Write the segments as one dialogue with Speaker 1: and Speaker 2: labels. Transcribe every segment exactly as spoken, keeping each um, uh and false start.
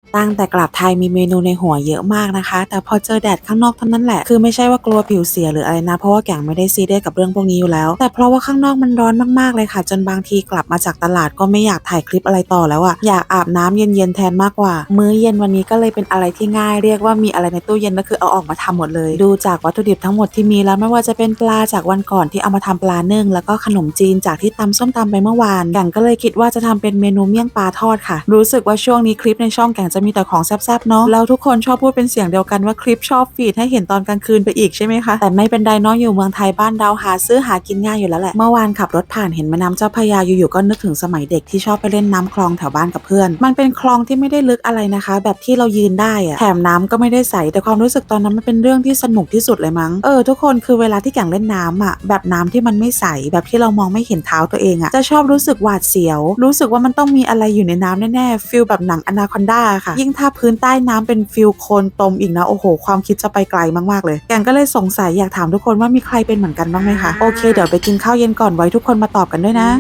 Speaker 1: ตั้งแต่กลับไทยมีเมนูในหัวเยอะมากนะคะแต่พอเจอแดดข้างนอกเท่านั้นแหละคือไม่ใช่ว่ากลัวผิวเสียหรืออะไรนะเพราะว่าแก่งไม่ได้ซีเรียสกับเรื่องพวกนี้อยู่แล้วแต่เพราะว่าข้างนอกมันร้อนมากๆเลยค่ะจนบางทีกลับมาจากตลาดก็ไม่อยากถ่ายคลิปอะไรต่อแล้วอะอยากอาบน้ำเย็นๆแทนมากกว่ามื้อเย็นวันนี้ก็เลยเป็นอะไรที่ง่ายเรียกว่ามีอะไรในตู้เย็นก็คือเอาออกมาทำหมดเลยดูจากวัตถุดิบทั้งหมดที่มีแล้วไม่ว่าจะเป็นปลาจากวันก่อนที่เอามาทำปลานึ่งแล้วก็ขนมจีนจากที่ตำส้มตำไปเมื่อวานแก่งก็เลยคิดว่าจะทำเป็นเมนูเมี่ยงปลาทอดค่ะรู้สึกว่าช่วงนี้คลิปในช่องแก่งจะมีแต่ของแซ่บๆเนาะแล้วทุกคนชอบพูดเป็นเสียงเดียวกันว่าคลิปชอบฟีดให้เห็นตอนกลางคืนไปอีกใช่ไหมคะแต่ไม่เป็นไรเนาะอยู่เมืองไทยบ้านเราหาซื้อหากินง่ายอยู่แล้วแหละเมื่อวานขับรถผ่านเห็นแม่น้ำเจ้าพระยาอยู่ๆก็นึกถึงสมัยเด็กที่ชอบไปเล่นน้ำคลองแถวบ้านกับเพื่อนมันเป็นคลองที่ไม่ได้ลึกอะไรนะคะแบบที่เรายืนได้อะแถมน้ำก็ไม่ได้ใสแต่ความรู้สึกตอนนั้นมันเป็นเรื่องที่สนุกที่สุดเลยมั้งเออทุกคนคือเวลาที่แก่งเล่นน้ำอ่ะแบบน้ำที่มันไม่ใสแบบที่เรามองไม่เห็นเท้าตัวเองอ่ะจะชอบรู้สึกหวาดเสียวรู้สึกว่ามันต้องมีอะไรอยู่ในน้ำแน่ๆฟิลแบบหนังอนาคอนดาค่ะยิ่งถ้าพื้นใต้น้ำเป็นฟิลโคลนตมอีกนะโอ้โหความคิดจะไปไกลมากๆเลยแก่งก็เลยสงสัยอยากถามทุกคนว่ามีใครเป็นเหมือนกันบ้างไหมคะโอเคเดี๋ยวไปกินข้าวเย็นก่อนไว้ทุกคนมาตอบกันด้วยนะ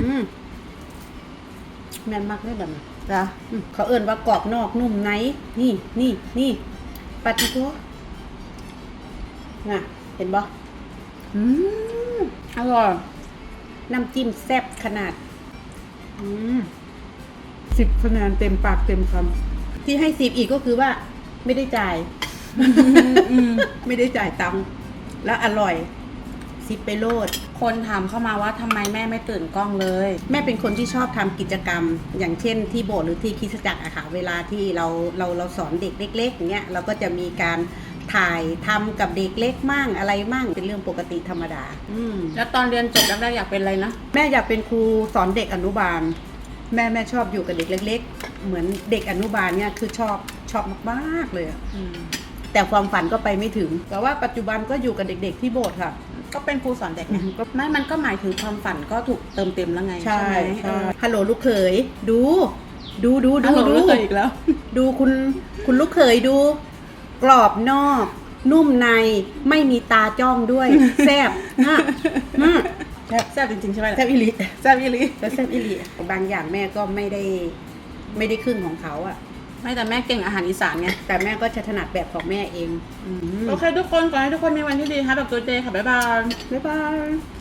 Speaker 2: แม่นมากเลยแบบนี้จ้ะเขาเอิ่นว่ากรอบนอกนุ่มในนี่นี่นี่ปาติโก้น่ะเห็นบ่อืมอร่อยน้ำจิ้มแซ่บขนาดอืมสิบคะแนนเต็มปากเต็มคำที่ให้สิบอีกก็คือว่าไม่ได้จ่ายไม่ได้จ่ายตังค์แล้วอร่อยสิบไปโลด
Speaker 3: คนถามเข้ามาว่าทำไมแม่ไม่ตื่นกล้องเลย
Speaker 2: แม่เป็นคนที่ชอบทำกิจกรรมอย่างเช่นที่โบสถ์หรือที่คริสตจักรอะค่ะเวลาที่เราเราเราสอนเด็กเล็กๆอย่างเงี้ยเราก็จะมีการถ่ายทำกับเด็กเล็กมั่งอะไรมั่งเป็นเรื่องปกติธรรมดา
Speaker 3: อืมแล้วตอนเรียนจบแรกๆอยากเป็นอะไรนะ
Speaker 2: แม่อยากเป็นครูสอนเด็กอนุบาลแม่แม่ชอบอยู่กับเด็กเล็กๆเหมือนเด็กอนุบาลเนี่ยคือชอบชอบมากๆเลยอะแต่ความฝันก็ไปไม่ถึงแต่ว่าปัจจุบันก็อยู่กับเด็กๆที่โบสถ์ค่ะ
Speaker 3: ก็เป็นครูสอนเด็กไงไม่มันก็หมายถึงความฝันก็ถูกเติมเต็มแล้วไง
Speaker 2: ใช่
Speaker 3: ไหม
Speaker 2: ฮัลโหลลูกเขยดูดูดูดู
Speaker 3: ดูลูกเขยอีกแล้ว
Speaker 2: ดูคุณคุณลูกเขยดูกรอบนอกนุ่มในไม่มีตาจ้องด้วยแซ่บฮะ
Speaker 3: แซ่บจริงๆใช่ไหม
Speaker 2: แซ่บอิลิ
Speaker 3: แซ่บอิลิ
Speaker 2: แซ่บอิลิบางอย่างแม่ก็ไม่ได้ไม่ได้ครึ่งของเขาอะ
Speaker 3: ไม่แต่แม่เก่งอาหารอีสานไง
Speaker 2: แต่แม่ก็จะถนัดแบบของแม่เอง
Speaker 3: โอเคทุกคนขอให้ทุกคนมีวันที่ดีค่ะแบบตัวเจค่ะบ๊ายบาย
Speaker 2: บ๊ายบาย